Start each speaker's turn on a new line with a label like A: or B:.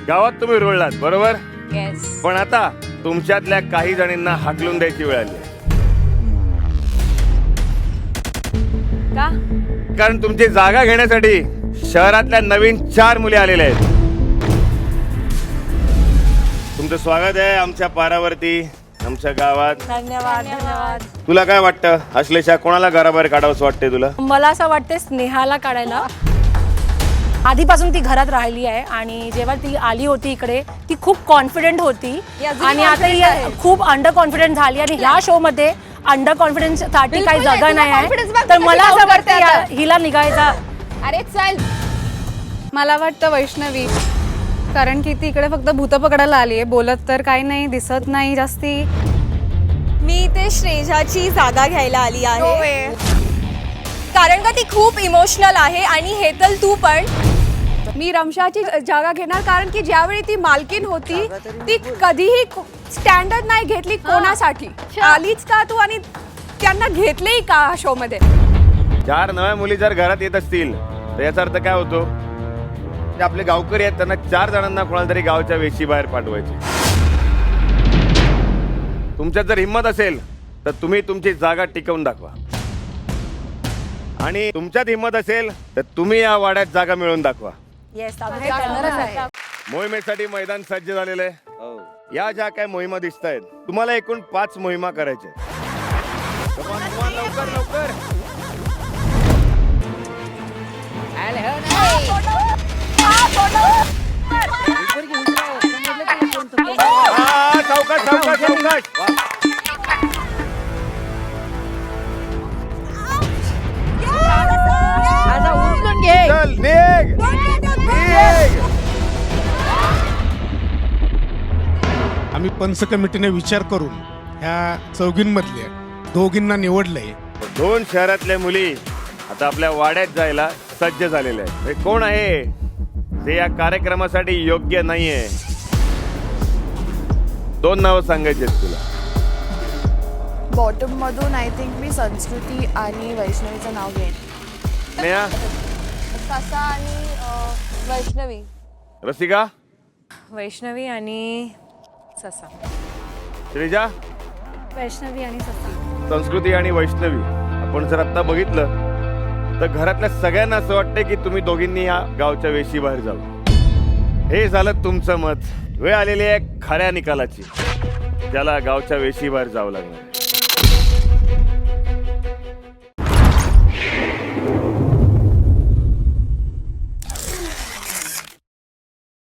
A: गावात तुम्ही रुळलात बरोबर,
B: येस.
A: पण आता तुमच्यातल्या काही जणींना हाकलून द्यायची वेळ आली.
B: का?
A: कारण तुमची जागा घेण्यासाठी शहरातल्या नवीन 4 मुली आलेल्या आहेत. तुमचं स्वागत आहे आमच्या पारावरती, आमच्या गावात.
B: धन्यवाद धन्यवाद.
A: तुला काय वाटतं अश्लेषा, कोणाला घराबाहेर काढावंसं वाटतंय तुला?
C: मला असं वाटते स्नेहाला काढायला. आधीपासून ती घरात राहिली आहे आणि जेव्हा ती आली होती इकडे ती खूप कॉन्फिडेंट होती आणि आता ही खूप अंडर कॉन्फिडेंट झाली आणि ह्या शो मध्ये अंडर कॉन्फिडन्स साठी काही जागा नाही आहे. तर मला असं वाटतं हिला निघायचा.
B: अरे चल.
D: मला वाटतं वैष्णवी, कारण की ती इकडे फक्त भूत पकडायला आली आहे, बोलत तर काही नाही, दिसत नाही जास्ती.
E: मी ते श्रेजाची जागा घ्यायला आली आहे कारण का ती खूप इमोशनल आहे आणि हेतल तू पण.
F: मी रमशाची जागा घेणार कारण की ज्यावेळी ती मालकीन होती ती कधीही स्टँडर्ड नाही घेतली कोणासाठी. आलीच का तू आणि त्यांना घेतलेही का शो मध्ये.
A: 4 नव्या मुली जर घरात येत असतील तर याचा अर्थ काय होतो? जे आपले गावकरी आहेत त्यांना 4 जणांना कोणाला तरी गावच्या वेशी बाहेर पाठवायचे. तुमच्यात जर हिंमत असेल तर तुम्ही तुमची जागा टिकवून दाखवा आणि तुमच्यात हिंमत असेल तर तुम्ही या वाड्यात जागा मिळवून दाखवा.
C: येस, आम्ही ते करणारच आहे.
A: मोहिमेसाठी मैदान सज्ज झालेलं आहे. या ज्या काय मोहिमा दिसत आहेत तुम्हाला एकूण 5 मोहिमा करायच्या आहेत. लवकर लवकर. सावकाश सावकाश सावकाश. चल निघ निघ.
G: आम्ही पंच कमिटीने विचार करून ह्या चौघींमधल्या दोघींना निवडलंय.
A: 2 शहरातल्या मुली आता आपल्या वाड्यात जायला सज्ज झालेल्या आहेत. हे कोण आहे जे या कार्यक्रमासाठी योग्य नाहीये? 2 नावं सांगायची आहेत तुला.
H: बॉटम मधून आय थिंक मी संस्कृती आणि वैष्णवीचं नाव घेईन.
A: स्नेहा,
E: ससा आणि वैष्णवी.
A: रसिका,
B: वैष्णवी आणि ससा.
A: श्रीजा,
C: वैष्णवी आणि ससा.
A: संस्कृती आणि वैष्णवी. आपण जर आता बघितलं तर घरातल्या सगळ्यांना असं वाटतंय की तुम्ही दोघींनी या गावच्या वेशी बाहेर जावं. हे झालं तुमचं मत. वेळ आलेली आहे खऱ्या निकालाची, ज्याला गावच्या वेशी बाहेर जावं लागणार.